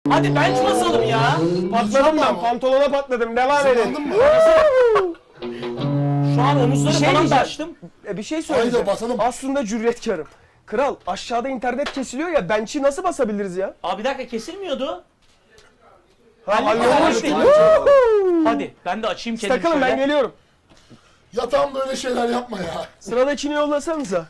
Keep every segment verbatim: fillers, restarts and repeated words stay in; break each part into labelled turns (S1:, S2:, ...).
S1: Hadi bench basalım ya.
S2: Patladım ben, pantolona patladım. Devam edin.
S3: Anladın mı?
S1: Şu an omuzları
S2: Bir şey
S1: falan da
S2: diyeceğim.
S1: açtım.
S2: E, bir şey söyleyeceğim.
S3: Haydi basalım.
S2: Aslında cüretkarım. Kral, aşağıda internet kesiliyor ya, bench'i nasıl basabiliriz ya?
S1: Abi bir dakika kesilmiyordu.
S2: Ha,
S1: Hallettik,
S2: hallolmuş.
S1: hallettik. Hadi ben de açayım kendimi
S2: Takılın, ben
S1: şöyle.
S2: geliyorum.
S3: Yatağımda öyle şeyler yapma ya.
S2: Sıradakini yollasanıza.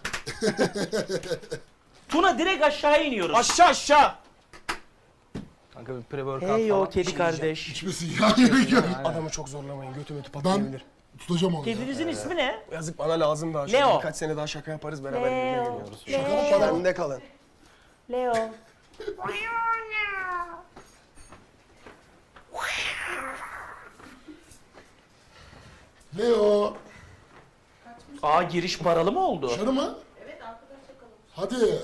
S1: Tuna direkt aşağıya iniyoruz.
S2: Aşağı aşağı.
S4: Kanka bir pre-workout
S1: Hey o
S4: falan.
S1: kedi kardeş.
S3: İçmesin ya. Gerek yok.
S2: Adamı çok zorlamayın, götü mötü
S3: Ben
S2: patlayabilir.
S3: tutacağım onu ya.
S1: Kedinizin ismi ne?
S2: Yazık, bana lazım daha. Şöyle
S1: Leo.
S2: Birkaç sene daha şaka yaparız, beraber birlikte
S1: Leo.
S2: geliyoruz.
S3: Şaka mı para?
S2: Bende kalın.
S1: Leo.
S3: Leo.
S1: Aa giriş paralı mı oldu?
S3: Dışarı mı? Evet arkadaşlar kalın. Hadi.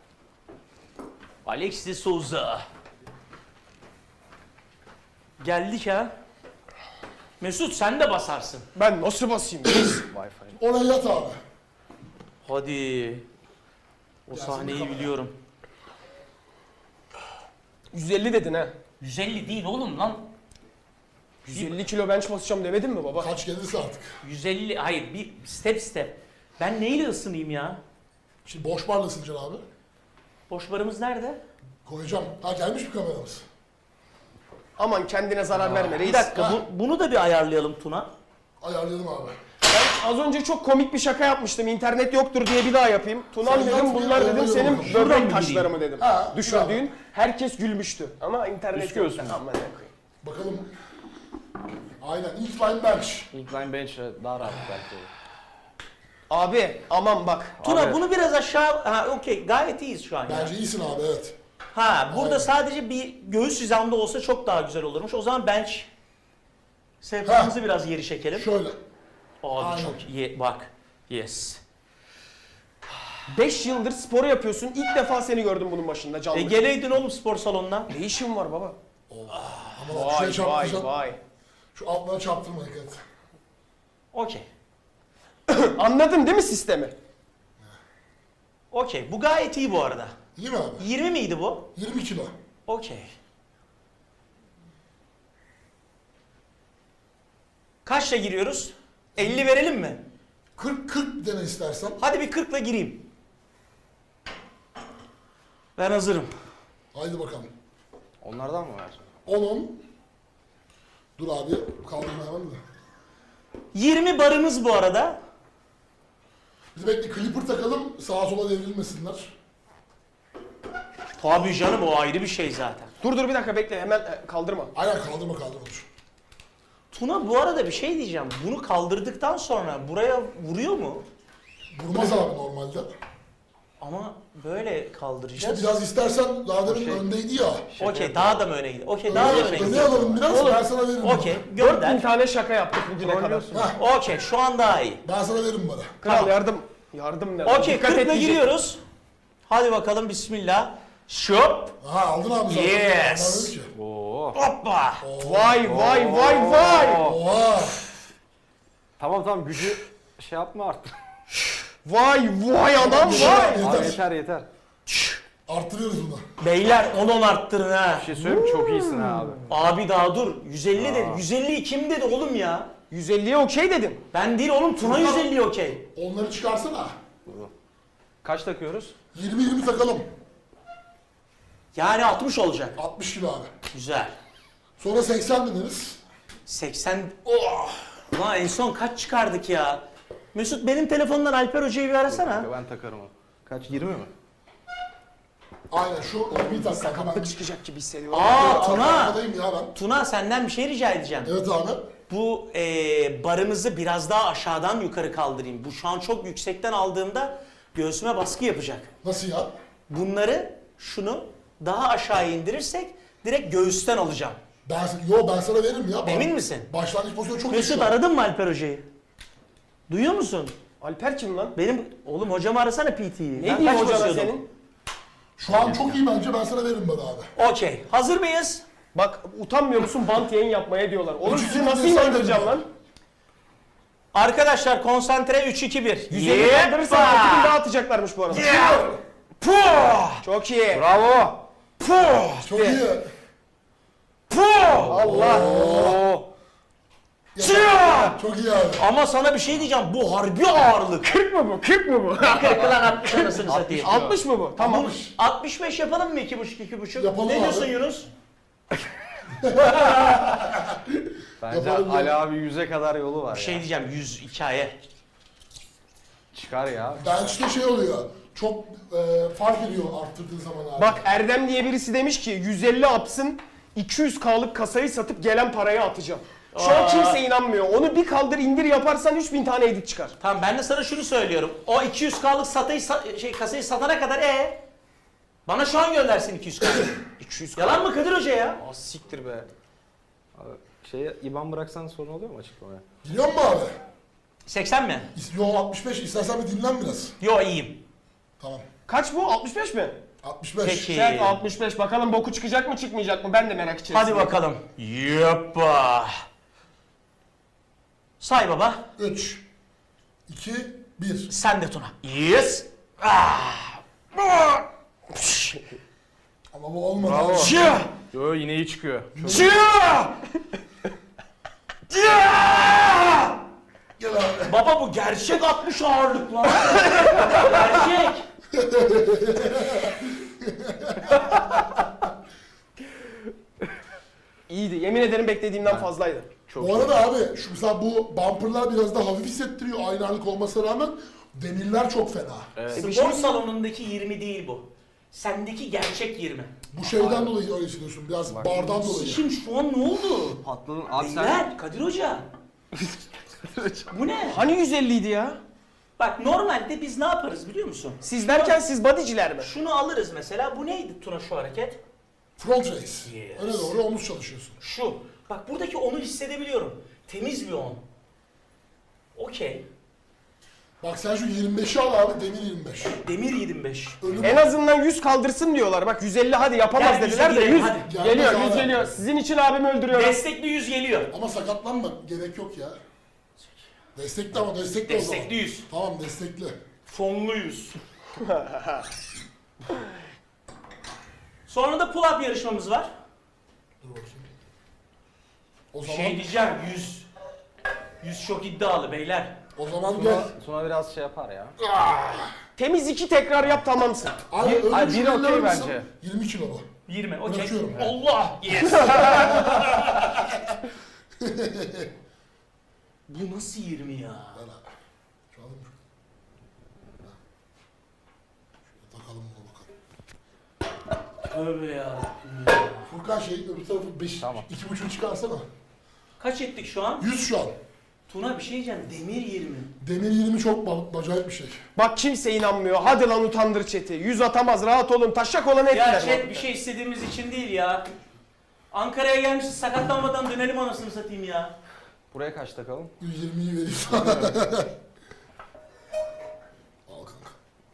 S1: Alex de Souza. Geldik ha. Mesut sen de basarsın.
S2: Ben nasıl basayım?
S4: Wi-Fi.
S3: Oraya yat abi.
S1: Hadi. O
S3: Gelsin
S1: sahneyi
S3: bakalım.
S1: biliyorum.
S2: yüz elli dedin ha.
S1: yüz elli değil oğlum lan.
S2: yüz elli kilo bench basacağım demedin mi baba?
S3: Kaç gelirse artık.
S1: yüz elli hayır bir step step. Ben neyle ısınayım ya?
S3: Şimdi boş barla ısınacaksın abi.
S1: Boş barımız nerede?
S3: Koyacağım. Ha gelmiş mi kameramız?
S2: Aman kendine zarar verme reis.
S1: Bir dakika
S3: Ha.
S1: bu, bunu da bir ayarlayalım Tuna.
S3: Ayarlayalım abi.
S2: Ben az önce çok komik bir şaka yapmıştım. İnternet yoktur diye bir daha yapayım. Tunan
S3: Sen
S2: dedim,
S3: yap,
S2: bunlar
S3: yap,
S2: dedim
S3: yap,
S2: senin
S3: yap.
S1: Şuradan
S2: böbrek
S1: mı
S2: taşlarımı dedim.
S3: Ha,
S2: Düşürdüğün. Herkes gülmüştü. Ama internet
S4: Üst
S2: yok.
S4: göğüs mü?
S2: Aman ne koyayım.
S3: Bakalım. Aynen. İlk line bench.
S4: Incline bench daha rahat belki olur.
S2: Abi aman bak.
S1: Tuna
S4: Abi.
S1: bunu biraz aşağı... Ha okey gayet iyiyiz şu an ya.
S3: Bence iyisin abi evet.
S1: Ha burada
S3: Aynen.
S1: sadece bir göğüs hizamda olsa çok daha güzel olurmuş. O zaman bench sehpamızı biraz geri çekelim.
S3: Şöyle.
S1: Abi
S3: Aynen.
S1: çok iyi. Bak. Yes.
S2: beş yıldır spor yapıyorsun. İlk defa seni gördüm bunun başında canlı.
S1: E geleydin oğlum spor salonuna.
S2: Ne işin var baba?
S3: Ama bak şuraya
S2: Vay vay
S3: çarptıracaksın.
S2: vay.
S3: Şu altlara çarptırma dikkat et.
S1: Okey.
S2: Anladın değil mi sistemi?
S1: Okey. Bu gayet iyi bu arada.
S3: İyi mi abi?
S1: yirmi miydi bu?
S3: yirmi kilo.
S1: Okey. Kaçla giriyoruz? elli verelim mi?
S3: kırk kırk dene istersen.
S1: Hadi bir kırkla gireyim. Ben hazırım.
S3: Haydi bakalım.
S4: Onlardan mı var?
S3: on on. Dur abi kaldırma hemen de.
S1: yirmi barımız bu arada.
S3: Biz bekle clipper takalım sağa sola devrilmesinler.
S1: Tabii canım o ayrı bir şey zaten.
S2: Dur dur bir dakika bekle, hemen e, kaldırma.
S3: Aynen kaldırma kaldırma dur.
S1: Tuna bu arada bir şey diyeceğim. Bunu kaldırdıktan sonra buraya vuruyor mu?
S3: Vurmaz abi normalde.
S1: Ama böyle
S3: İşte
S1: kaldıracağız.
S3: biraz istersen daha demin öndeydi ya.
S1: Okey daha da mı öne gidiyor? Okey daha da öne
S3: Öne
S1: gidiyor.
S3: alalım biraz ben sana veririm.
S1: Okey
S2: dört bin
S1: gönder.
S2: tane şaka yaptık bugüne kadar.
S3: Heh,
S1: Okey şu an daha iyi.
S3: ben sana veririm bana.
S2: Kral
S1: Tamam.
S2: yardım. Yardım ne?
S1: Okey
S2: Dikkat et
S1: kırkla
S2: diyecek.
S1: giriyoruz. Hadi bakalım bismillah. Şop.
S3: Ha aldın abi zaten.
S1: Yes.
S3: Ben dedim ki.
S4: Oo.
S1: Hoppa.
S2: Vay vay vay vay.
S3: Oha.
S4: Tamam tamam gücü şey yapma artık.
S2: Vay vay adam vay.
S4: Abi
S3: Yeter.
S4: yeter yeter.
S3: Arttırıyoruz bunu.
S1: Beyler on on arttırın ha.
S4: Bir şey söyleyeyim mi? Çok iyisin ha abi.
S1: Abi daha dur. yüz elli dedi. yüz elli kim dedi oğlum ya?
S2: yüz elliye okey dedim.
S1: Ben değil oğlum Tuna yüz elli okey.
S3: Onları çıkarsana.
S4: Kaç takıyoruz?
S3: yirmi yirmi takalım.
S1: Yani altmış olacak.
S3: altmış kilo abi.
S1: Güzel.
S3: Sonra seksen deneriz.
S1: seksen. Oh. Ulan en son kaç çıkardık ya? Mesut benim telefondan Alper Hoca'yı bir arasana.
S4: Ben takarım onu. Kaç? yirmi mi?
S3: Aynen şu yirmiyi tak kanka ben.
S2: Sakatlık çıkacak gibi hissediyorum.
S1: Aa Tuna.
S3: Arkadayım ya ben.
S1: Tuna senden bir şey rica edeceğim.
S3: Evet abi.
S1: Bu e, barımızı biraz daha aşağıdan yukarı kaldırayım. Bu şu an çok yüksekten aldığımda göğsüme baskı yapacak.
S3: Nasıl ya?
S1: Bunları şunu daha aşağı indirirsek direkt göğüsten alacağım.
S3: Ben, yo ben sana veririm ya.
S1: Emin
S3: Bak,
S1: misin?
S3: Başlangıç pozisyonu çok
S1: Mesut
S3: iyi.
S1: aradın mı Alper Hoca'yı? Duyuyor musun?
S2: Alper kim lan?
S1: Benim oğlum hocamı arasana P T'yi.
S2: Ne diyeyim hocana senin?
S3: Şu an çok iyi bence ben sana veririm bana abi.
S1: Okey. Hazır mıyız?
S2: Bak utanmıyor musun bant yayın yapmaya diyorlar. Oğlum
S3: Üç,
S2: sizi
S3: iki,
S2: nasıl
S3: bir, sen
S2: inandıracağım
S3: dedin.
S2: lan?
S1: Arkadaşlar konsantre üç iki bir.
S2: yüz elli kaldırırsan altı bin daha atacaklarmış bu arada.
S1: Puh!
S2: Çok iyi.
S4: Bravo.
S1: Puh!
S3: Çok iyi.
S2: Allah.
S4: Oo.
S1: Çiya!
S3: Çok iyi abi.
S1: Ama sana bir şey diyeceğim. Bu harbi ağırlık.
S2: kırk mı bu? kırk mı bu?
S1: kırk lan altmış anasını satayım.
S2: altmış mı bu? Tamam.
S3: Altmış.
S1: altmış beş yapalım mı? iki buçuk iki buçuk.
S3: Yapalım
S1: Ne
S3: abi.
S1: diyorsun Yunus?
S4: Bence
S3: Yapalım
S4: Ali
S3: ya.
S4: abi yüze kadar yolu var
S1: Bir şey
S4: ya.
S1: diyeceğim. yüz hikaye.
S4: Çıkar ya.
S3: Bench'te şey oluyor. Çok e, fark ediyor arttırdığın zaman abi.
S2: Bak Erdem diye birisi demiş ki yüz elli apsın iki yüz K'lık kasayı satıp gelen parayı atacağım. Şu an
S1: Aa.
S2: kimse inanmıyor. Onu bir kaldır indir yaparsan üç bin tane edit çıkar.
S1: Tamam ben de sana şunu söylüyorum. O iki yüz K'lık satayı, sa- şey, kasayı satana kadar e bana şu an göndersin iki yüz K.
S2: iki yüz K.
S1: Yalan mı Kadir Hoca ya?
S2: Aa, siktir be.
S4: Abi, şeye İban bıraksan sorun oluyor mu açıklamaya?
S3: Biliyor musun abi?
S1: seksen mi?
S3: Yo altmış beş, istersen bir dinlen biraz.
S1: Yo iyiyim.
S3: Tamam.
S2: Kaç bu? altmış beş mi?
S3: altmış beş.
S1: Peki.
S2: Sen altmış beş. Bakalım boku çıkacak mı çıkmayacak mı? Ben de merak içerisindeyim.
S1: Hadi bakalım. Yoppa. Say baba.
S3: üç, iki, bir.
S1: Sen de Tuna. Yes. Ah.
S3: Ama bu olmadı.
S4: Bravo.
S3: abi.
S1: Çiya.
S4: Yo yine iyi çıkıyor.
S1: Çiya. Çiya.
S3: Gel abi.
S1: Baba bu gerçek altmış ağırlık lan. Gerçek.
S2: İyiydi. Yemin ederim beklediğimden fazlaydı.
S3: Bu arada abi şu mesela bu bumperlar biraz daha hafif hissettiriyor aynı ağırlık olmasına rağmen demirler çok fena.
S4: Evet.
S2: bir
S1: Spor
S2: şey-
S1: salonundaki yirmi değil bu. Sendeki gerçek yirmi.
S3: Bu şeyden dolayı öyle hissediyorsun biraz bardan dolayı.
S1: Şimdi şu an ne oldu?
S4: Patladın. Abi sen...
S1: Beyler, Kadir Hoca. Bu ne?
S2: Hani yüz elli idi ya?
S1: Bak normalde biz ne yaparız biliyor musun?
S2: Siz derken siz bodyciler mi?
S1: Şunu alırız mesela. Bu neydi Tuna şu hareket?
S3: Front race.
S1: Yes.
S3: Öne doğru omuz çalışıyorsun.
S1: Şu. Bak buradaki onu hissedebiliyorum. Temiz bir on. Okey.
S3: Bak sen şu yirmi beşi al abi demir yirmi beş.
S1: Demir yirmi beş.
S3: Önüm
S2: En azından yüz kaldırsın diyorlar. Bak yüz elli hadi yapamaz
S1: Gel,
S2: dediler
S1: yüze
S2: de
S1: girelim,
S2: yüz
S1: hadi.
S3: Gelmez
S2: geliyor,
S3: abi.
S2: yüz geliyor. Sizin için abimi öldürüyorum.
S1: Destekli yüz geliyor.
S3: ama sakatlanma gerek yok ya. Destekli ama destekli o zaman.
S1: Destekli yüz.
S3: Tamam destekli.
S1: Fonlu yüz. Sonra da pull-up yarışmamız var.
S3: Dur bakayım. O zaman
S1: Şey diyeceğim yüz. yüz çok iddialı beyler.
S3: o zaman gel.
S4: Tuna, Tuna biraz şey yapar ya.
S2: Temiz iki tekrar yap tamamsın.
S3: Abi
S4: Bir-
S3: öyle
S4: Ay,
S3: bir
S4: biri
S3: şey
S4: okey
S3: verir misin?
S4: bence.
S3: yirmi kilo bu.
S1: yirmi okey.
S3: Bırakıyorum.
S1: Allah! Yes! Bu nasıl yirmi ya?
S3: Ver abi. Şu alayım mı? Şöyle takalım bunu bakalım.
S1: Tövbe ya.
S3: Furkan şey öbür tarafı beş,
S4: Tamam.
S3: iki buçuk çıkarsana.
S1: Kaç ettik şu an?
S3: yüz şu an.
S1: Tuna bir şey diyeceğim. Demir yirmi.
S3: Demir yirmi çok ba- acayip bir şey.
S2: Bak kimse inanmıyor. Hadi lan utandır chat'i. Yüz atamaz rahat olun. Taşak olan ettiler.
S1: Ya chat bir şey istediğimiz için değil ya. Ankara'ya gelmişiz sakatlanmadan dönelim anasını satayım ya.
S4: Buraya kaç takalım?
S3: yüz yirmiyi vereyim sana. Al kanka.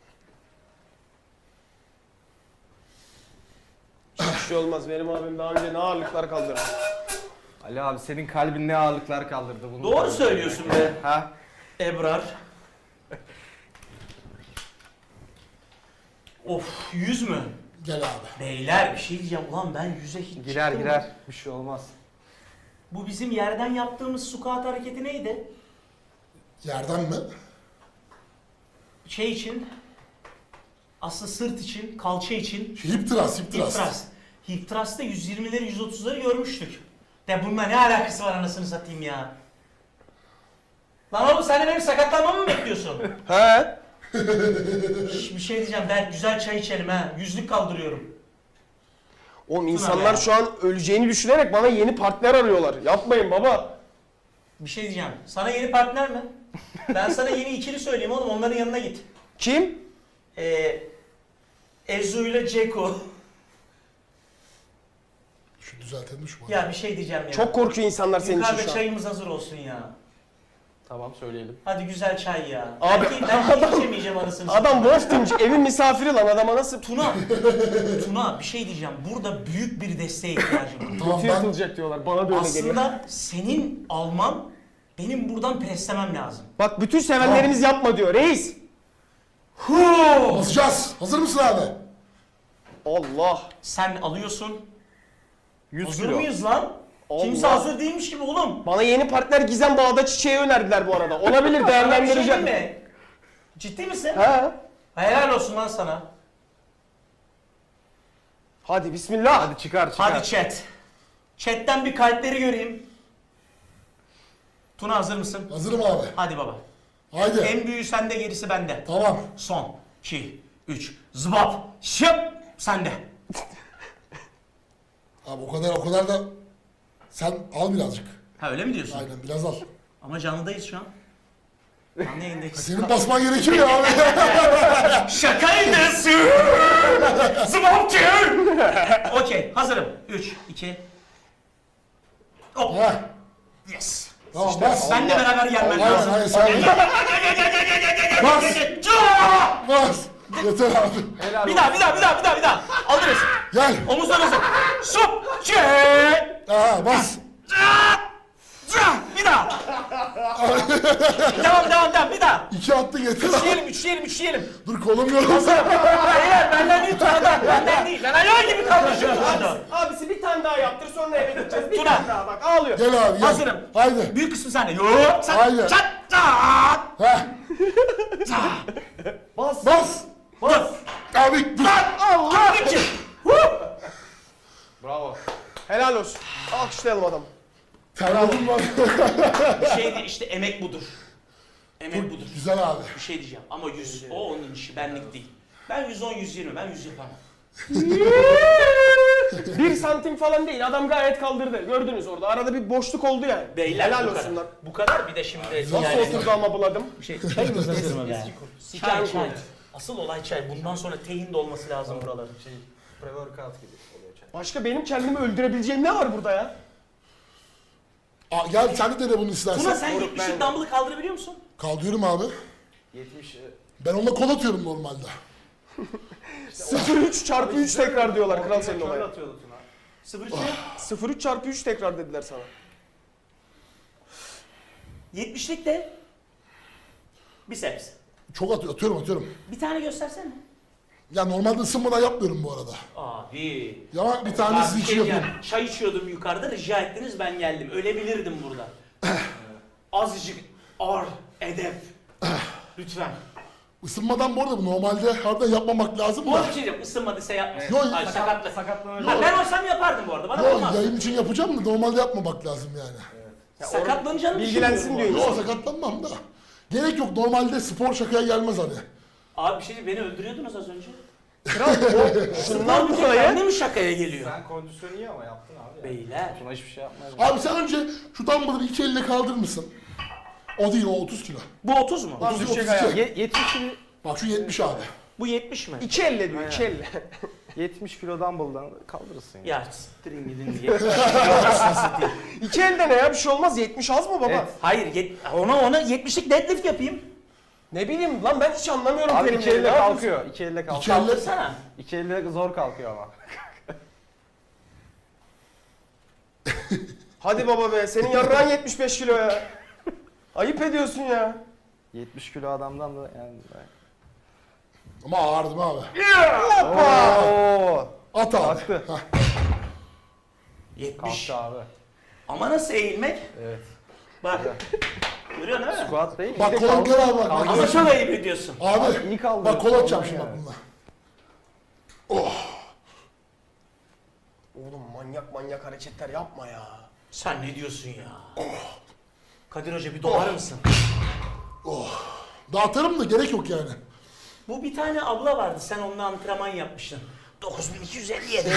S2: Hiçbir şey olmaz. Benim abim daha önce ne ağırlıklar kaldırdı.
S4: Ali abi senin kalbin ne ağırlıklar kaldırdı bunu.
S1: Doğru söylüyorsun be.
S4: Ha?
S1: Ebrar. Of yüz mü?
S3: Gel abi.
S1: Beyler bir şey diyeceğim. Ulan ben yüze hiç
S4: Girer
S1: çıktım mı?
S4: girer. Bir şey olmaz.
S1: Bu bizim yerden yaptığımız squat hareketi neydi?
S3: Yerden mi?
S1: Şey için, aslında sırt için, kalça için
S3: Hip thrust, hip
S1: hip
S3: thrust.
S1: thrust. Hip thrust'ta yüz yirmileri, yüz otuzları görmüştük. De bununla ne alakası var anasını satayım ya? Lan oğlum sen de benim sakatlanmamı mı bekliyorsun?
S2: He?
S1: Şş, bir şey diyeceğim, ben güzel çay içelim ha. Yüzlük kaldırıyorum.
S2: Oğlum
S1: be.
S2: insanlar şu an öleceğini düşünerek bana yeni partner arıyorlar. Yapmayın baba.
S1: Bir şey diyeceğim, sana yeni partner mi? Ben sana yeni ikili söyleyeyim oğlum, onların yanına git.
S2: Kim?
S1: Ee, Ezu ile Ceko.
S3: Şu düzeltelim şu
S1: Ya bir şey diyeceğim ya.
S2: Çok korkuyor insanlar senin için
S1: Yukarıda
S2: şu an.
S1: çayımız hazır olsun ya.
S4: Tamam söyleyelim.
S1: Hadi güzel çay ya.
S2: Abi,
S1: belki, belki içemeyeceğim anasını
S2: Adam Wolf Team'ci, evin misafiri lan adama nasıl
S1: Tuna, Tuna bir şey diyeceğim. Burada büyük bir desteğe ihtiyacım var.
S3: Tamam
S2: kötü
S3: ben
S2: yırtılacak diyorlar. Bana da öyle geliyor.
S1: Aslında senin alman, benim buradan preslemem lazım.
S2: Bak bütün sevenlerimiz yapma diyor reis.
S3: basacağız. Hazır mısın abi?
S2: Allah.
S1: Sen alıyorsun.
S4: yüz
S1: Hazır
S4: kilo.
S1: mıyız lan? Kimse
S2: Allah.
S1: hazır değilmiş gibi oğlum.
S2: Bana yeni partner Gizem Bağda Çiçeği önerdiler bu arada. Olabilir,
S1: Sana bir şey
S2: değerlendireceğim.
S1: diyeyim mi? Ciddi misin?
S2: He.
S1: Helal olsun lan sana.
S2: Hadi bismillah.
S4: Hadi çıkar çıkar.
S1: Hadi chat. Chat'ten bir kalpleri göreyim. Tuna hazır mısın?
S3: Hazırım abi.
S1: Hadi baba.
S3: Haydi.
S1: En büyüğü sende, gerisi bende.
S3: Tamam.
S1: Son, iki, üç, zıbap, şıp, sende.
S3: Abi o kadar o kadar da sen al birazcık.
S1: Ha öyle mi diyorsun?
S3: Aynen biraz al.
S1: Ama canlıdayız şu an. Canlı yayındayız.
S3: Senin basman gerekiyor ya abi.
S1: Şakaydı. Zıbapçı. Okey, hazırım. Üç, iki. Hop.
S3: Heh.
S1: Yes.
S3: Tamam bas.
S1: Benle beraber gelmen
S3: Hayır
S1: lazım.
S3: hayır sen bas. Bas. Yeter abi.
S4: Helal
S1: Bir daha, bir daha, bir daha, bir daha, bir daha. Alırız.
S3: Gel.
S1: Omuzlar hazır. Şup, çek.
S3: Aha bas.
S1: Bir daha. devam, devam, devam. Bir daha.
S3: İki attı yeter abi.
S1: Üçleyelim, üçleyelim, üçleyelim.
S3: Dur kolum yoruldu.
S1: Beyler benden değil Tuna'dan. Benden değil. Ben hayal gibi kalmışım Tuna'da.
S2: Abisi bir tane daha yaptır, sonra eve gideceğiz. Bir
S1: Tuna.
S2: tane daha bak, ağlıyor.
S3: Gel abi gel.
S1: Hazırım.
S3: Haydi.
S1: Büyük kısmı sende. Yok. Sen.
S3: Haydi.
S1: Çat. Çat.
S3: Heh.
S2: Bas.
S3: Bas.
S1: Bas.
S3: Abi dur.
S1: Allah. İki.
S4: Bravo.
S2: Helal olsun. Alkışlayalım adamı.
S3: Terledim var.
S1: Bir şey değil, işte emek budur. Emek budur.
S3: Güzel abi.
S1: Bir şey diyeceğim ama yüz, o onun işi, benlik değil. Ben yüz on, yüz yirmi, ben yüz yapamam.
S2: Bir santim falan değil, adam gayet kaldırdı. Gördünüz orada, arada bir boşluk oldu yani.
S1: Beyler
S2: Helal
S1: bu
S2: olsun
S1: kadar.
S2: lan.
S1: Bu kadar bir de şimdi
S2: Nasıl oturdu ama buladım.
S1: Bir şey, çayımız hazır mı be? Çay,
S2: Çay
S1: çay. Asıl olay çay. Bundan sonra teyin de olması lazım buraların.
S4: Şey, pre-workout gibi oluyor çay.
S2: Başka benim kendimi öldürebileceğim ne var burada ya?
S3: Aa, gel sen de dene bunu istersen.
S1: Tuna sen
S2: Moruk,
S1: yetmişlik
S2: ben-
S1: dumbbell'ı kaldırabiliyor musun?
S3: Kaldırıyorum abi.
S4: yetmiş. e,
S3: Ben onunla kol atıyorum normalde.
S2: sıfır virgül üç çarpı üç tekrar diyorlar kral senin
S4: Şöyle
S2: olaya.
S4: atıyordu Tuna.
S1: Sıfır şey.
S2: sıfır virgül üç çarpı üç tekrar dediler sana.
S1: Yetmişlik de biceps.
S3: Çok atıyor, atıyorum atıyorum.
S1: Bir tane göstersene.
S3: Ya normalde ısınmadan yapmıyorum bu arada.
S1: Abi.
S3: Ya bir
S1: Ben
S3: tanesi
S1: bir
S3: için
S1: şey
S3: yapıyorum.
S1: diyeceğim. Çay içiyordum yukarıda, rica ettiniz ben geldim. Ölebilirdim burada. Azıcık ar, edep. Lütfen.
S3: Isınmadan bu arada bu normalde harbiden yapmamak lazım
S1: Bu
S3: da.
S1: arada bir şey diyeceğim, ısınmadıysa yapmasın.
S3: Yok,
S1: Hayır, sakatla.
S4: Sakatlanır.
S1: Ha, ben olsam yapardım bu arada, bana
S3: Yok
S1: olmaz.
S3: yayın için yapacağım da normalde yapmamak lazım yani.
S1: Sakatlanacağını
S2: Bilgilensin
S1: düşünmüyorum
S2: diyor.
S1: bu arada.
S3: Yok sakatlanmam da. Gerek yok normalde spor şakaya gelmez hani.
S1: Abi bir şey diyeyim, beni öldürüyordunuz az önce.
S2: Kral o şundan
S1: Bundan
S2: dolayı
S1: kendi mi şakaya geliyor?
S4: Sen kondisyonu iyi ama yaptın abi. ya.
S1: Beyler.
S4: Tuna hiçbir şey yapmaz.
S3: Abi sen önce şu dumbbell'ı iki elle kaldırır mısın? O değil o otuz kilo.
S1: Bu otuz mu?
S2: Lan
S3: otuz,
S2: düşecek
S3: otuz iki.
S2: ayağı.
S4: Ye- yetmiş kilo,
S3: Bak şu yetmiş abi.
S1: Bu yetmiş mi?
S2: İki elle diyor, iki elle.
S4: yetmiş kilo dumbbell'dan kaldırırsın ya.
S1: Ya siktirin gidin diye.
S2: İki elde ne ya, bir şey olmaz. yetmiş az mı baba?
S4: Evet.
S1: Hayır, yet, ona ona yetmişlik deadlift yapayım.
S2: Ne bileyim lan, ben hiç anlamıyorum
S4: Abi iki
S2: terimleri.
S4: elle
S2: Ne yapıyorsun?
S4: kalkıyor. İki elle kalkıyor.
S3: İki elle.
S1: Kaldırsana.
S4: İki elle zor kalkıyor ama.
S2: Hadi baba be, senin yarrağın yetmiş beş kilo ya. Ayıp ediyorsun ya.
S4: yetmiş kilo adamdan da yani.
S3: Ama ağırdım abi.
S4: Oo!
S3: At abi.
S4: Kalktı.
S3: Heh.
S1: yetmiş.
S4: Kalktı abi.
S1: Ama nasıl eğilmek?
S4: Evet.
S1: Bak. Görüyorsun değil mi?
S4: Squat değil.
S3: Bak
S4: İşte
S3: kolum
S4: kalk-
S3: gel abi bak.
S4: kalk-
S1: Ama çok ayıp ediyorsun.
S3: Abi
S4: iyi kaldırıyorsun.
S3: bak kol atacağım
S4: Ondan
S3: şimdi bak
S4: yani.
S3: bununla. Oh.
S2: Oğlum manyak manyak hareketler yapma ya.
S1: Sen ne diyorsun ya? Kadir Hoca bir dolar mısın?
S3: Dağıtırım da gerek yok yani.
S1: Bu bir tane abla vardı, sen onunla antrenman yapmıştın. dokuz bin iki yüz elli yedi.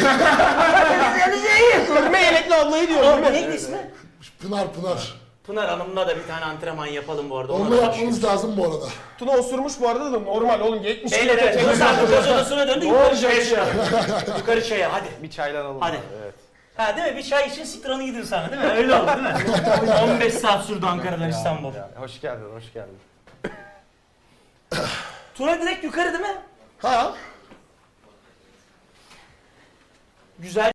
S2: Örme yelekli ablayı diyor değil
S1: O
S2: mi?
S1: neydi ismi?
S3: Pınar Pınar.
S1: Pınar Hanım'la da bir tane antrenman yapalım bu arada. ona
S3: Onunla
S1: da
S3: yapmanız lazım bu arada.
S2: Tuna osurmuş bu arada da normal oğlum, yetmiş kilo
S1: Beyler evet,
S2: tekrar.
S1: Yunus abi göz odasına döndü,
S2: Ne
S1: yukarı
S2: olacak
S1: çaya
S2: ya?
S1: çıkalım. Yukarı çaya, hadi.
S4: Bir çaylanalım.
S1: Hadi.
S4: abi, Evet.
S1: Ha değil mi? Bir çay için siktiranı gidin sana değil mi? Öyle oldu değil mi? on beş saat sürdü Ankara'dan İstanbul.
S4: Ya, hoş geldin, hoş geldin.
S1: Tuna direkt yukarı değil mi?
S3: Ha?
S1: Güzel.